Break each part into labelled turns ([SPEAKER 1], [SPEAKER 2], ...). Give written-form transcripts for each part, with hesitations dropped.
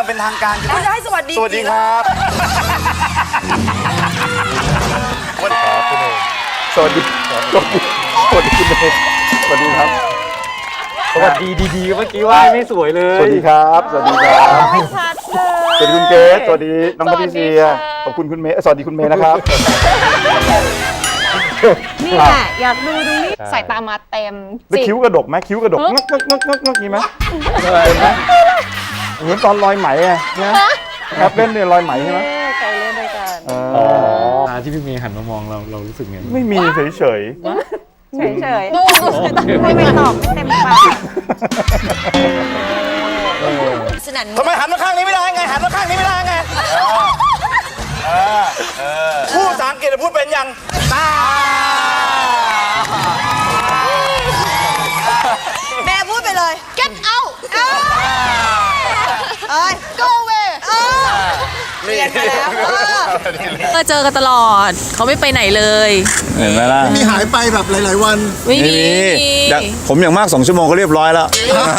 [SPEAKER 1] อย่างเป็นทางการ
[SPEAKER 2] คุณจะให้สวัสดี
[SPEAKER 1] สวัสดีครับสวัสดีครับคุณเอสวัสดีสวัสดีคุณเอสวัสดีครับ
[SPEAKER 3] สวัสดีดีๆเมื่อกี้ว่าไม่สวยเลย
[SPEAKER 1] สวัสดีครับสวัสดีครับ
[SPEAKER 2] ไม่ชัดเลย
[SPEAKER 1] สวัสดีคุณเกสสวัสดีน้องพัทริเซียขอบคุณคุณเมย์สวัสดีคุณเมย์นะครับ
[SPEAKER 2] นี่แหละอยากดูตรงนี้
[SPEAKER 4] สายตามาเต็ม
[SPEAKER 1] แล้วคิ้วกระดกไหมคิ้วกระดกงกงี้ไหมเห็นไหมเหมือนตอนลอยไหมไงนะครับเล่นเนี่ยลอยไหมใช่ไหม
[SPEAKER 2] เคยเล่นด้วยกัน
[SPEAKER 3] ที่พี่เมย์หันมามองเรารู้สึกไง
[SPEAKER 1] ไม่มีเฉย
[SPEAKER 2] เฉยไม่ตอบไม่เต็มปากสนั่น
[SPEAKER 1] ทำไมหันมาข้างนี้ไม่ได้ไงหันมาข้างนี้ไม่ได้ไงพูดภาษาอังกฤษพูดเป็นยังตา
[SPEAKER 2] แม่พูดไปเลย get out เอ้ย go away เรียนมาแล้ว
[SPEAKER 4] ก็เจอกันตลอดเขาไม่ไปไหนเลย
[SPEAKER 1] เห็นไหมล่ะ
[SPEAKER 5] มีหายไปแบบหลายๆวัน
[SPEAKER 4] ไม่มี
[SPEAKER 1] ผมอย่างมาก2 ชั่วโมงก็เรียบร้อยแล้ว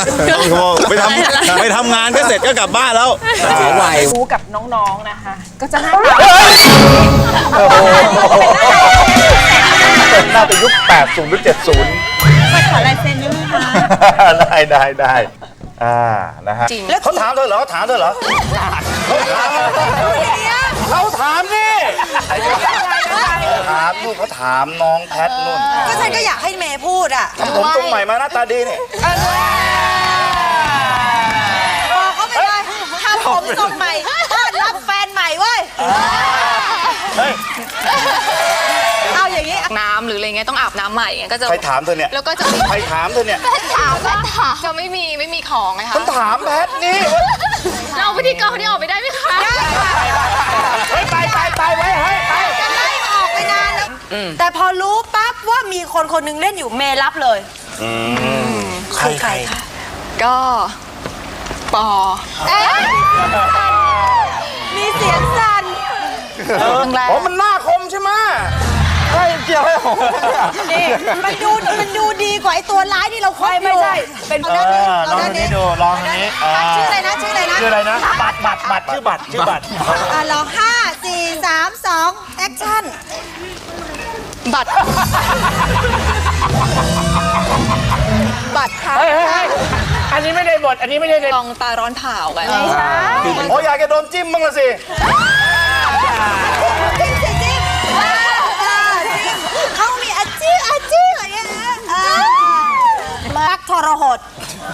[SPEAKER 1] ไปทำงานก็เสร็จก็กลับบ้านแล้ว
[SPEAKER 2] ครูกับน้องๆนะคะก็จะหน้าตา
[SPEAKER 1] น่าจะยุค80หรือ70
[SPEAKER 2] ไปขอลายเซ็นด้วยนะคะ
[SPEAKER 1] ได้นะฮะเขาถามเธอเหรอเขาถามนี่ถามลูกเขาถามน้องแพทนุ่น
[SPEAKER 2] ก็ฉันก็อยากให้เมย์พูดอ่ะ
[SPEAKER 1] ทำผมตรงใหม่มาหน้าตาดีนี่
[SPEAKER 2] บอกเขาไปเลยทำผมทรงใหม่ต้อนรับแฟนใหม่เว้ยเอาอย่างนี้
[SPEAKER 4] น้ำหรืออะไรเงี้ยต้องอาบน้ำใหม่ก็จะ
[SPEAKER 1] ใครถามเธอเนี่ย
[SPEAKER 4] แล้วก็จะ
[SPEAKER 1] ใครถามเธอเนี่ย
[SPEAKER 4] จะไม่มีของไงคะ
[SPEAKER 1] ฉันถามแพทนี่
[SPEAKER 4] เราพิธีกรคนนี้ออกไปได้ไหมคะ
[SPEAKER 1] ไปไว้ไป
[SPEAKER 2] จะไล่ออกไปนานแล้วแต่พอรู้ปั๊บว่ามีคนนึงเล่นอยู่เมย์รับเลยใครคะ
[SPEAKER 4] ก็ปอ
[SPEAKER 2] มีเสียงสั่น
[SPEAKER 1] อ๋อมันหน้าคมใช่ไหมใช่เกี่ยวให้ผม
[SPEAKER 2] นี่มันดูดีกว่าไอ้ตัวร้ายที่เราคอยไม่ใช่เป็นลองนี้ดูลองนี้ชื่ออะไรนะชื่ออะไรนะบัตรชื่อบัตรลอง5 4 3 2แอคชั่น
[SPEAKER 4] บัตรค่ะ
[SPEAKER 3] อันนี้ไม่ได้บทอันนี้ไม่ได้
[SPEAKER 4] ลองตาร้อนเผากัน
[SPEAKER 2] ไม่ใช่
[SPEAKER 1] โอ้อยากจะโดนจิ้มบ้างละสิ
[SPEAKER 2] เขามีอาชีพอะไรเงี้ยรักทรหด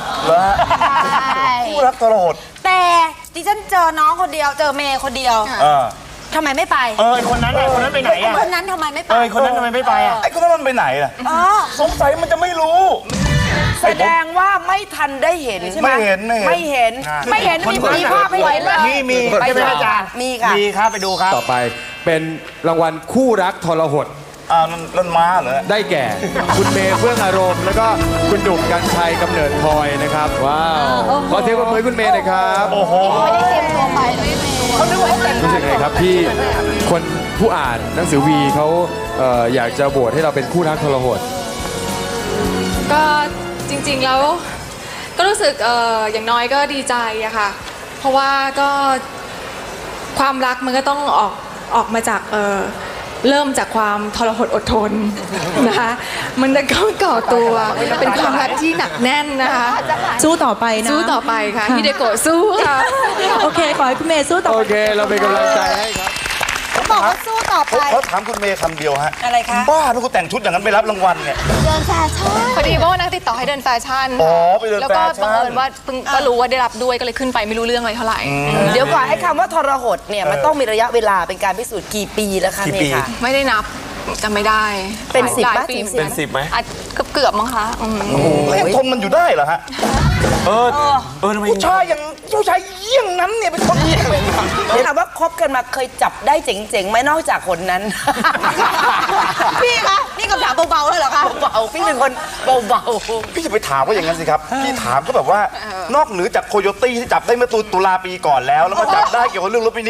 [SPEAKER 1] คู่รักทรหด
[SPEAKER 2] แต่ดิฉันเจอน้องคนเดียวเจอเมย์คนเดียวทำไมไม่ไป
[SPEAKER 3] คนนั้นไปไหนอ่ะ
[SPEAKER 2] คนนั้นทำไมไม่ไป
[SPEAKER 3] คนนั้นทำไมไม่ไปอ่ะ
[SPEAKER 1] ไอ้คนนั้นมันไปไหนล่ะสงสัยมันจะไม่รู้
[SPEAKER 2] แสดงว่าไม่ทันได้เห็นใช่ไหม
[SPEAKER 1] ไม่เห็น
[SPEAKER 2] มีภาพให้เห็นเลย
[SPEAKER 3] มีใช่ไหมอาจารย์
[SPEAKER 2] มีค่ะ
[SPEAKER 3] มีครับไปดูครับ
[SPEAKER 6] ต่อไปเป็นรางวัลคู่รักทรหด
[SPEAKER 1] นั่นม้าเหรอ
[SPEAKER 6] ได้แก่ คุณเมย์เฟื่องอารมณ์แล้วก็คุณดุกกรรชัยกำเนิดพลอยนะครับว้าวขอเสียงปรบมือคุณเมย์หน่อยครับ
[SPEAKER 1] โอ้โห
[SPEAKER 4] ไม่ได้เตรียมตัวไปเลย
[SPEAKER 6] รู้สึกไงครับที่คนผู้อ่านหนังสือวีเขาอยากจะโหวตให้เราเป็นคู่รักทรหด
[SPEAKER 4] ก็จริงๆแล้วก็รู้สึกอย่างน้อยก็ดีใจอะค่ะเพราะว่าก็ความรักมันก็ต้องออกมาจากเริ่มจากความทรหดอดทนนะคะมันจะก่อตัวเป็นความรักที่หนักแน่นนะคะ
[SPEAKER 2] สู้ต่อไปนะ
[SPEAKER 4] สู้ต่อไปค่ะฮิเดโกะสู้ค่ะ
[SPEAKER 2] โอเคขอให้คุณเมย์สู้ต่อไป
[SPEAKER 6] โอเคเราเป็นกำลังใจให้ครับ
[SPEAKER 2] เขาบอกว่าสู้ต่อไป
[SPEAKER 1] เขาถามคุณเมย์คำเดียวฮะ
[SPEAKER 2] อะไรคะ
[SPEAKER 1] บ้าถ้าคุณแต่งชุดอย่างนั้นไปรับรางวัลเนี่ย
[SPEAKER 2] เดินแฟชั่น
[SPEAKER 4] พอดีว่านักติดต่อให้เดินแฟชั่น
[SPEAKER 1] ไปเดินแฟชั่น
[SPEAKER 4] แล้วก็บังเอิญว่าก็รู้ว่าได้รับด้วยก็เลยขึ้นไปไม่รู้เรื่องอะไรเท่าไหร่
[SPEAKER 2] เดี๋ยวก่อนให้คำว่าทรหดเนี่ยมันต้องมีระยะเวลาเป็นการพิสูจน์กี่ปีแล้วคะเนี่ยค่ะ
[SPEAKER 4] ไม่ได้นับจำไม่ได้
[SPEAKER 2] เป็น10
[SPEAKER 4] ป่ะ
[SPEAKER 1] เป็น10ไหม
[SPEAKER 4] เกือบมั้งคะ
[SPEAKER 1] ยังทนมันอยู่ได้เหรอฮะผู้ชายเยี่ยงนั้นเนี่ยเป็นคนเยี่ยง
[SPEAKER 2] ถามว่าคบกันมาเคยจับได้เจ๋งๆไหมนอกจากคนนั้นพี่คะนี่คำถามเบาๆเลยเหรอคะเบาพี่เป็นคนเบา
[SPEAKER 1] ๆพี่จะไปถามว่าอย่างนั้นสิครับพี่ถามก็แบบว่านอกเหนือจากโคโยตี้ที่จับได้เมื่อตุลาปีก่อนแล้วมาจับได้เกี่ยวกับเรื่องรถมินิ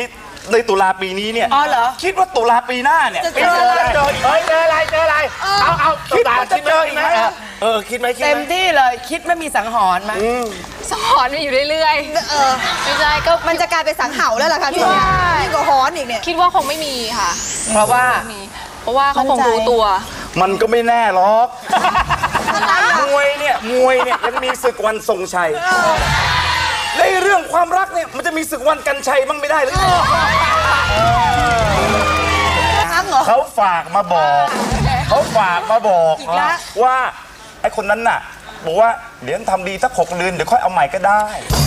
[SPEAKER 1] ในตุลาปีนี้เนี่ย
[SPEAKER 2] อ๋อเหรอ
[SPEAKER 1] คิดว่าตุลาปีหน้าเนี่ย
[SPEAKER 2] จะเจออะไร
[SPEAKER 1] เจออีกไหม
[SPEAKER 3] เจออะไรเอา
[SPEAKER 1] คิดว่าจะเจออีกไหมคิดไหม
[SPEAKER 2] เต็มที่เลยคิดไม่มีสังหรณ์ไหม
[SPEAKER 4] สอนมาอยู่เรื่อยๆไม่ใช่ก็
[SPEAKER 2] มันจะกลายเป็นสังเห่าแล้วล่ะค่ะพี่นี่ก็ฮ้อนอีกเนี่ย
[SPEAKER 4] คิดว่าคงไม่มีค่ะ
[SPEAKER 2] เพราะว่า
[SPEAKER 4] เพราะว่าเขาคงรู้ตัว
[SPEAKER 1] มันก็ไม่แน่หรอกมวยเนี่ยยังมีศึกวันทรงชัยในเรื่องความรักเนี่ยมันจะมีศึกวันกันชัยบ้างไม่ได้หรือเขาฝากมาบอกว่าไอ้คนนั้นน่ะบอกว่าเดี๋ยวทำดีสัก6 เดือนเดี๋ยวค่อยเอาใหม่ก็ได้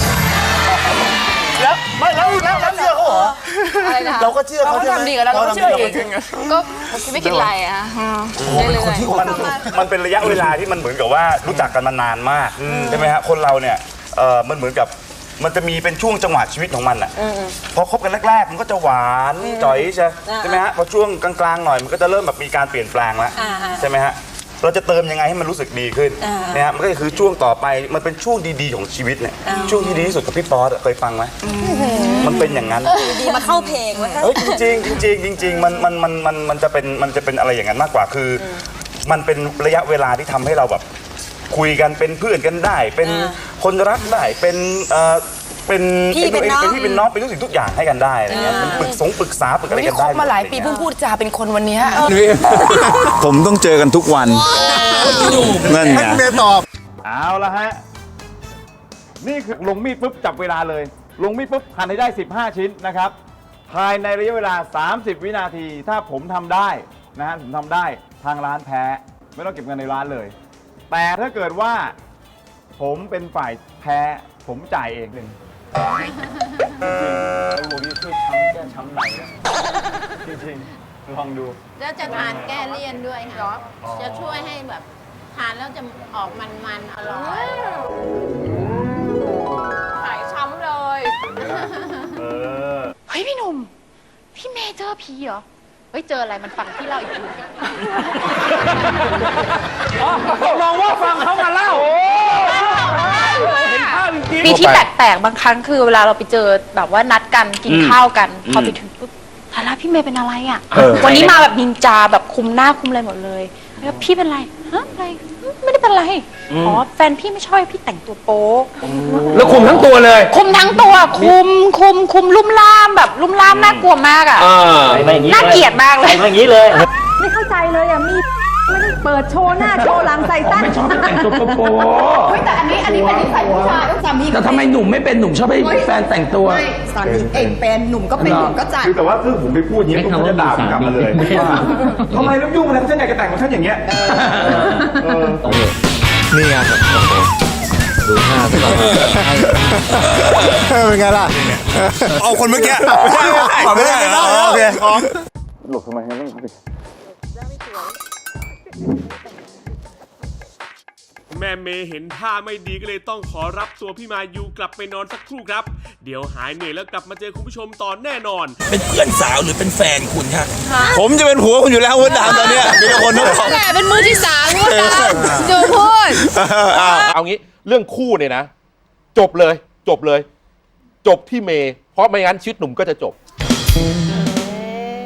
[SPEAKER 1] แล้วไม่แล้วเชื่อเขาเหรอเราก็เชื่อเขาทำดีกับเราก็เชื่อเอง
[SPEAKER 4] ก็ไม่คิดอะไรอ่ะเรื่อยๆ
[SPEAKER 1] มันเป็นระยะเวลาที่มันเหมือนกับว่ารู้จักกันมานานมากใช่ไหมฮะคนเราเนี่ยมันเหมือนกับมันจะมีเป็นช่วงจังหวะชีวิตของมันอ่ะพอคบกันแรกๆมันก็จะหวานจ่อยใช่ไหมฮะพอช่วงกลางๆหน่อยมันก็จะเริ่มแบบมีการเปลี่ยนแปลงแล้วใช่ไหมฮะเราจะเติมยังไงให้มันรู้สึกดีขึ้นนะฮะมันก็คือช่วงต่อไปมันเป็นช่วงดีๆของชีวิตเนี่ยช่วงที่ดีที่สุดกับพี่ป๊อตเคยฟังไหมมันเป็นอย่างนั้น
[SPEAKER 2] ดีมาเข้าเพลงวะ
[SPEAKER 1] จริงมันจะเป็นอะไรอย่างนั้นมากกว่าคือมันเป็นระยะเวลาที่ทำให้เราแบบคุยกันเป็นเพื่อนกันได้เป็นคนรักได้เป็นพี่เป็นน้องเป็นทุกสิ่งทุกอย่างให้กันได้อะไรเงี้ยมันปรึกษาอะไรกันได้
[SPEAKER 2] มาหลายปีเพิ่งพูดจาเป็นคนวันนี้
[SPEAKER 5] ผมต้องเจอกันทุกวันนั่นไง
[SPEAKER 6] เมย์ตอบ
[SPEAKER 1] เอาละฮะนี่คือลงมีดปุ๊บจับเวลาเลยลงมีดปุ๊บหั่นให้ได้15 ชิ้นนะครับภายในระยะเวลา30 วินาทีถ้าผมทำได้นะฮะผมทำได้ทางร้านแพ้ไม่ต้องเก็บเงินในร้านเลยแต่ถ้าเกิดว่าผมเป็นฝ่ายแพ้ผมจ่ายเองจริงไอ้โมนี่ช่วยแก้ช้ำไหนนะจริงลองดู
[SPEAKER 7] แล้วจะทานแก้เลี่ยนด้วยค่ะ จะช่วยให้แบบทานแล้วจะออกมันๆอร่อย
[SPEAKER 4] หายช้ำเลย
[SPEAKER 8] เฮ้ยพี่หนุ่ม พี่เมย์เจอผีเหรอ เฮ้ยเจออะไรมันฟังพี่เล่าอีกที
[SPEAKER 3] ลองว่าฟังเขามาเล่าเห็นภาพจริง
[SPEAKER 8] มีที่แปลกๆบางครั้งคือเวลาเราไปเจอแบบว่านัดกันกินข้าวกันพอไปถึงปุ๊บทาร่าพี่เมย์เป็นอะไรอ่ะวันนี้มาแบบนินจาแบบคุมหน้าคุมอะไรหมดเลยแล้วพี่เป็นไรฮะอะไรไม่ได้เป็นไรอ๋อแฟนพี่ไม่ชอบพี่แต่งตัวโป๊
[SPEAKER 3] แล้วคุมทั้งตัวเลย
[SPEAKER 8] คุมทั้งตัวคุมลุ่มล่ามแบบลุ่มล่ามน่ากลัวมากอ่ะน่าเกลียดมากเลย
[SPEAKER 3] อย่างนี้เลย
[SPEAKER 9] ไม่เข้าใจเลยอ่ะมีไม่ได้เปิดโชว์หน้าโชว์หลังใส่สั้นไม่ชอบแต่งตัวโป๊ะแต่อันนี้เป็นนิสัยผู้ชายสามี
[SPEAKER 10] แต่ทำไมหนุ่มไม่เป็นหนุ่มชอบให้แฟนแต่งตัว
[SPEAKER 9] สามีเองเป็นหนุ่มก็เป็นหนุ่มก็จัด
[SPEAKER 1] คือแต่ว่าคือผมไปพูดอย่างนี้ผมจะด่าผมกลับมาเลยว่าทำไมต้องยุ่งอะไรฉันอยากจะแต่งของฉันอย่างเงี้ย
[SPEAKER 6] นี่ไงดูหน้าซะก่อนเป็นไงล่ะ
[SPEAKER 5] เอาคนเมื่อกี้ไม่ได้โอเค
[SPEAKER 1] หลบทำไมไม่
[SPEAKER 11] แม่เมย์เห็นท่าไม่ดีก็เลยต้องขอรับตัวพี่มายูกลับไปนอนสักครู่ครับเดี๋ยวหายเหนื่อยแล้วกลับมาเจอคุณผู้ชมตอนแน่นอน
[SPEAKER 5] เป็นเพื่อนสาวหรือเป็นแฟนคุณฮะผมจะเป็นผัวคุณอยู่แล้ววันดาวตอนนี้มีคนต้องบอก
[SPEAKER 4] แหละเป็นมือที่3วันดาวดูพูด
[SPEAKER 12] เอางี้เรื่องคู่เนี่ยนะจบเลยจบที่เมย์เพราะไม่งั้นชีวิตหนุ่มก็จะจบ